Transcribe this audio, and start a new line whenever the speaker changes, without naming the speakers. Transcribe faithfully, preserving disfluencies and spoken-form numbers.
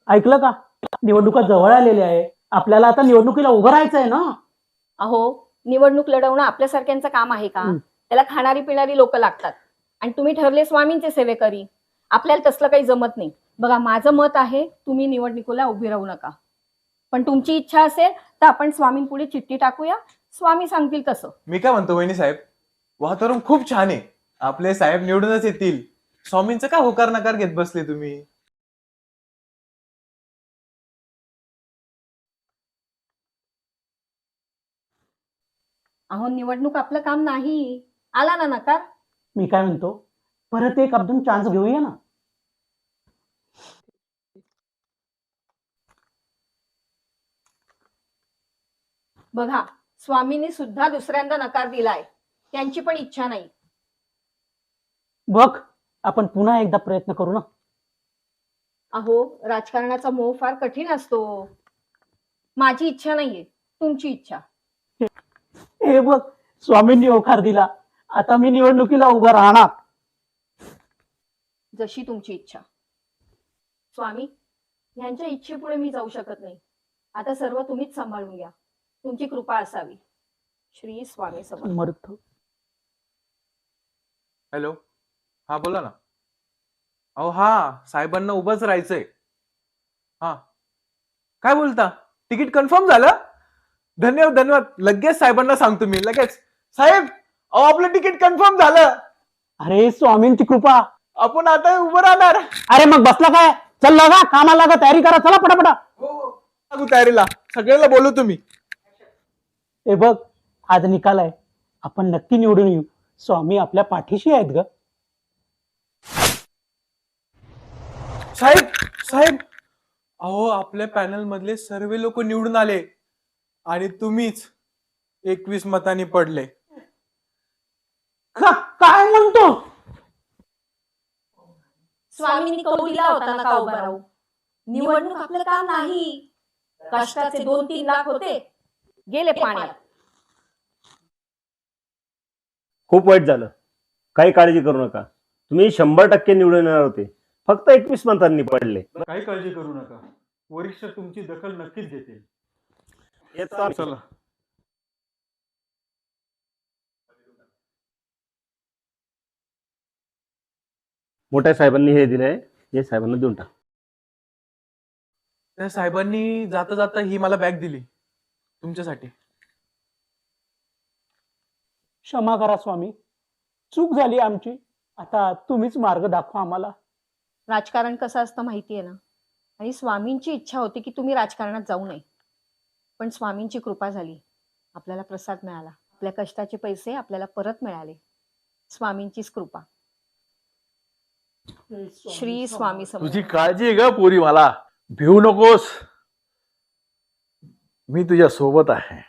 ऐकलं का? निवडणुका जवळ आलेल्या आहे. आपल्याला आता निवडणुकीला उभं राहायचंय ना.
अहो, निवडणूक लढवणं आपल्यासारख्यांचं काम आहे का?
हं.
त्याला खाणारी पिणारी लोक लागतात. आणि तुम्ही ठरले स्वामींचे सेवेकरी. आपल्याला तसलं काही जमत नाही. बघा, माझं मत आहे तुम्ही निवडणुकीला उभी राहू नका. पण तुमची इच्छा असेल तर आपण स्वामींपुढे चिठ्ठी टाकूया. स्वामी सांगतील तसं.
मी काय म्हणतो वहिनी साहेब, वातावरण खूप छान आहे. आपले साहेब निवडूनच येतील. स्वामींचं का होकार नकार घेत बसले तुम्ही?
अहो, निवडणूक आपलं काम नाही. आला ना नकार.
मी काय म्हणतो, परत एक आपण चान्स घेऊया ना.
बघा, स्वामींनी सुद्धा दुसऱ्यांदा नकार दिलाय. त्यांची पण इच्छा नाही.
बघ, आपण पुन्हा एकदा प्रयत्न करू ना.
अहो, राजकारणाचा मोह फार कठीण असतो. माझी इच्छा नाहीये, तुमची इच्छा.
हे बघ, स्वामींनी होकार दिला. आता मी निवडणुकीला उभं राहणार.
जशी तुमची इच्छा. स्वामी, यांच्या इच्छेपुढे मी जाऊ शकत नाही. आता सर्व तुम्हीच सांभाळून घ्या. तुमची कृपा असावी. श्री स्वामी समर्थ.
समर्थ.
हॅलो, हा बोला ना. अहो हा, साहेबांना उभंच राहायचंय. हा, काय बोलता? तिकीट कन्फर्म झालं? धन्यवाद धन्यवाद. लगेच साहेबांना सांगतो मी. लगेच साहेब, अहो आपलं तिकीट कन्फर्म झालं.
अरे, स्वामींची कृपा.
आपण आता उभं राहणार.
अरे मग बसला काय? चल लागा, कामाला लागा, तयारी करा. चला पटापटा.
हो, लागू तयारीला. सगळ्याला बोलू तुम्ही.
हे बघ, आज निकाल आहे. आपण नक्की निवडून येऊ. स्वामी आपल्या पाठीशी आहेत ग.
साहेब साहेब, अहो आपल्या पॅनल मधले सर्व लोक निवडून आले आणि तुम्हीच एकवीस मतांनी पडले.
का- काय म्हणतो?
स्वामींनी कौल दिला होता ना का उभा राहू. निवडणूक आपलं काम नाही. कष्टाचे दोन तीन लाख होते, गेले पाण्यात.
खूप वाईट झालं. काही काळजी करू नका. तुम्ही शंभर टक्के निवडून येणार होते. फक्त एकवीस मतांनी पडले.
काही काळजी करू नका. वरिष्ठ तुमची दखल नक्कीच घेतील.
येतो आम्ही.
चला.
मोठ्या साहेबांनी हे दिलंय, हे साहेबांना देऊन टाक.
त्या साहेबांनी जाता जाता ही मला बॅग दिली तुमच्यासाठी.
क्षमा करा स्वामी, चूक झाली आमची. आता तुम्हीच मार्ग दाखवा आम्हाला.
राजकारण कसं असतं माहितीये ना. आणि स्वामींची इच्छा होती की तुम्ही राजकारणात जाऊ नये. पण स्वामींची कृपा झाली. आपल्याला प्रसाद मिळाला. आपल्या कष्टाचे पैसे आपल्याला परत मिळाले. स्वामींचीच कृपा. श्री स्वामी समर्थ.
तुझी काळजी आहे ग पोरी. मला भिवू नकोस. मी तुझ्या सोबत आहे.